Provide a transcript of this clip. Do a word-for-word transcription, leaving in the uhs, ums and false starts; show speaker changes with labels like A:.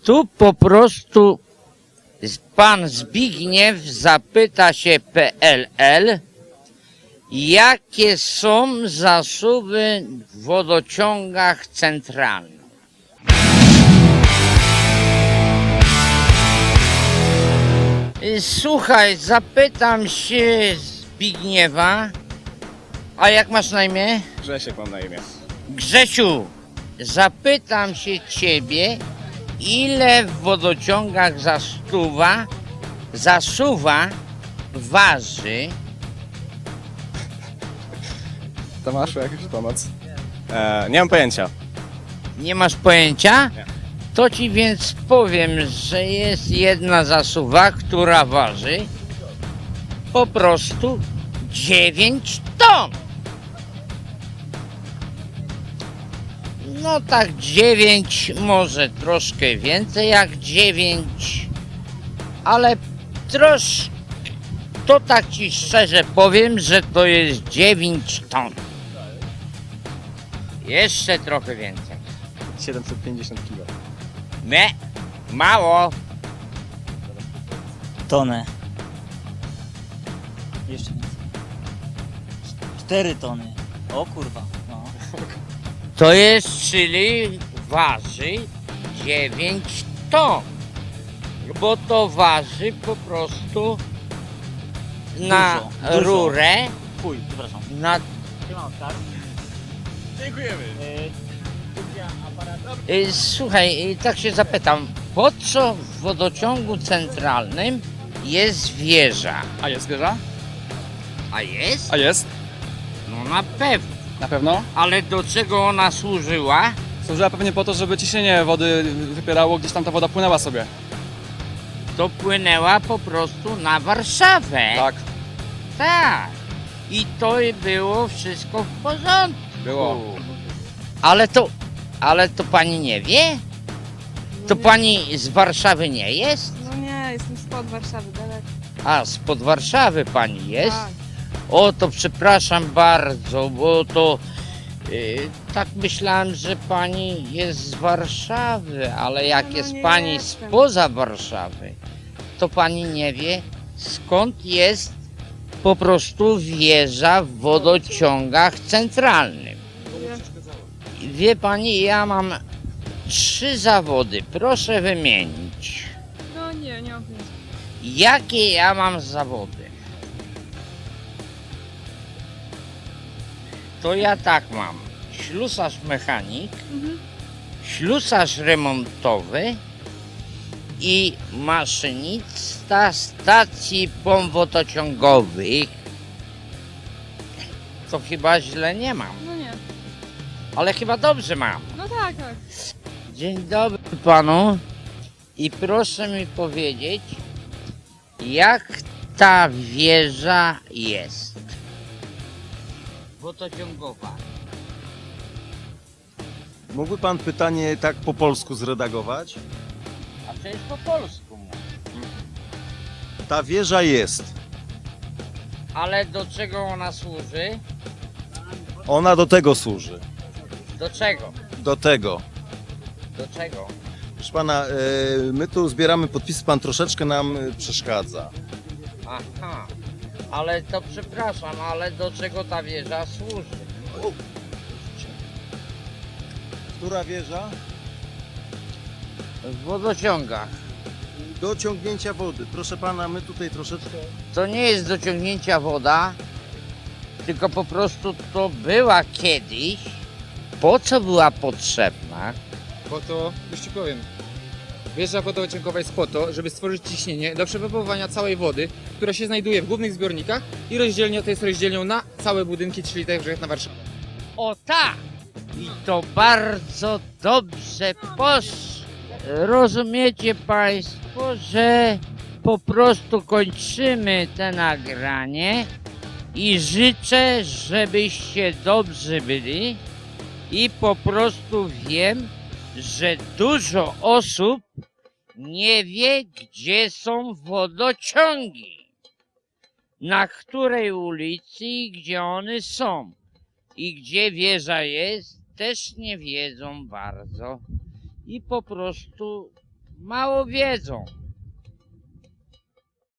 A: Tu po prostu pan Zbigniew zapyta się P L L, jakie są zasoby w wodociągach centralnych. Słuchaj, zapytam się Zbigniewa, a jak masz na imię?
B: Grzesiek mam na imię.
A: Grzesiu, zapytam się ciebie, ile w wodociągach zasuwa, zasuwa waży.
B: Tomaszu, jakąś pomoc? E, nie mam pojęcia.
A: Nie masz pojęcia?
B: Nie.
A: To ci więc powiem, że jest jedna zasuwa, która waży po prostu dziewięć ton. No tak dziewięć, może troszkę więcej jak dziewięć, ale troszkę, to tak ci szczerze powiem, że to jest dziewięć ton. Jeszcze trochę więcej.
B: siedemset pięćdziesiąt kilo.
A: Nie, mało.
C: Tonę. Jeszcze nic. Cztery tony. O kurwa. No.
A: To jest, czyli waży dziewięć ton. Bo to waży po prostu na
C: Dużo, dużo.
A: rurę,
C: Chuj, przepraszam.
A: na...
B: Dziękujemy.
A: Y, Słuchaj, y, tak się zapytam, po co w wodociągu centralnym jest wieża?
B: A jest wieża?
A: A jest?
B: A jest?
A: No na pewno.
B: Na pewno?
A: Ale do czego ona służyła?
B: Służyła pewnie po to, żeby ciśnienie wody wypierało, gdzieś tam ta woda płynęła sobie.
A: To płynęła po prostu na Warszawę.
B: Tak,
A: Tak. I to i było wszystko w porządku.
B: było.
A: Ale to, ale to pani nie wie? To pani z Warszawy nie jest?
D: No nie, jestem spod Warszawy, daleko.
A: A, spod Warszawy pani jest?
D: Tak.
A: O, to przepraszam bardzo, bo to yy, tak myślałem, że pani jest z Warszawy, ale jak
D: No
A: jest
D: nie
A: pani
D: jestem.
A: spoza Warszawy, to pani nie wie, skąd jest po prostu wieża w wodociągach centralnym. Wie pani, ja mam trzy zawody, proszę wymienić.
D: No nie, nie mam pojęcia.
A: Jakie ja mam zawody? To ja tak mam. Ślusarz mechanik,
D: Mhm.
A: ślusarz remontowy i maszynista stacji pomp wodociągowych. To chyba źle nie mam,
D: No nie.
A: ale chyba dobrze mam.
D: No tak, tak.
A: Dzień dobry panu i proszę mi powiedzieć, jak ta wieża jest wodociągowa.
E: Mógłby pan pytanie tak po polsku zredagować?
A: A przecież po polsku mówię.
E: Ta wieża jest.
A: Ale do czego ona służy?
E: Ona do tego służy.
A: Do czego?
E: Do tego.
A: Do czego?
E: Proszę pana, e, my tu zbieramy podpisy, pan troszeczkę nam e, przeszkadza.
A: Aha, ale to przepraszam, ale do czego ta wieża służy?
E: Która wieża?
A: W wodociągach.
E: Do ciągnięcia wody. Proszę pana, my tutaj troszeczkę...
A: To nie jest do ciągnięcia woda, tylko po prostu to była kiedyś. Po co była potrzebna?
F: Bo to, już ci powiem, wieża wodociągowa jest po to, żeby stworzyć ciśnienie do przepompowania całej wody, która się znajduje w głównych zbiornikach i rozdzielnia to jest rozdzielnią na całe budynki, czyli także jak na Warszawę.
A: O tak! I to bardzo dobrze poszło. Rozumiecie Państwo, że po prostu kończymy te nagranie i życzę, żebyście dobrze byli i po prostu wiem, że dużo osób nie wie, gdzie są wodociągi, na której ulicy i gdzie one są. I gdzie wieża jest, też nie wiedzą bardzo. I po prostu Mało wiedzą.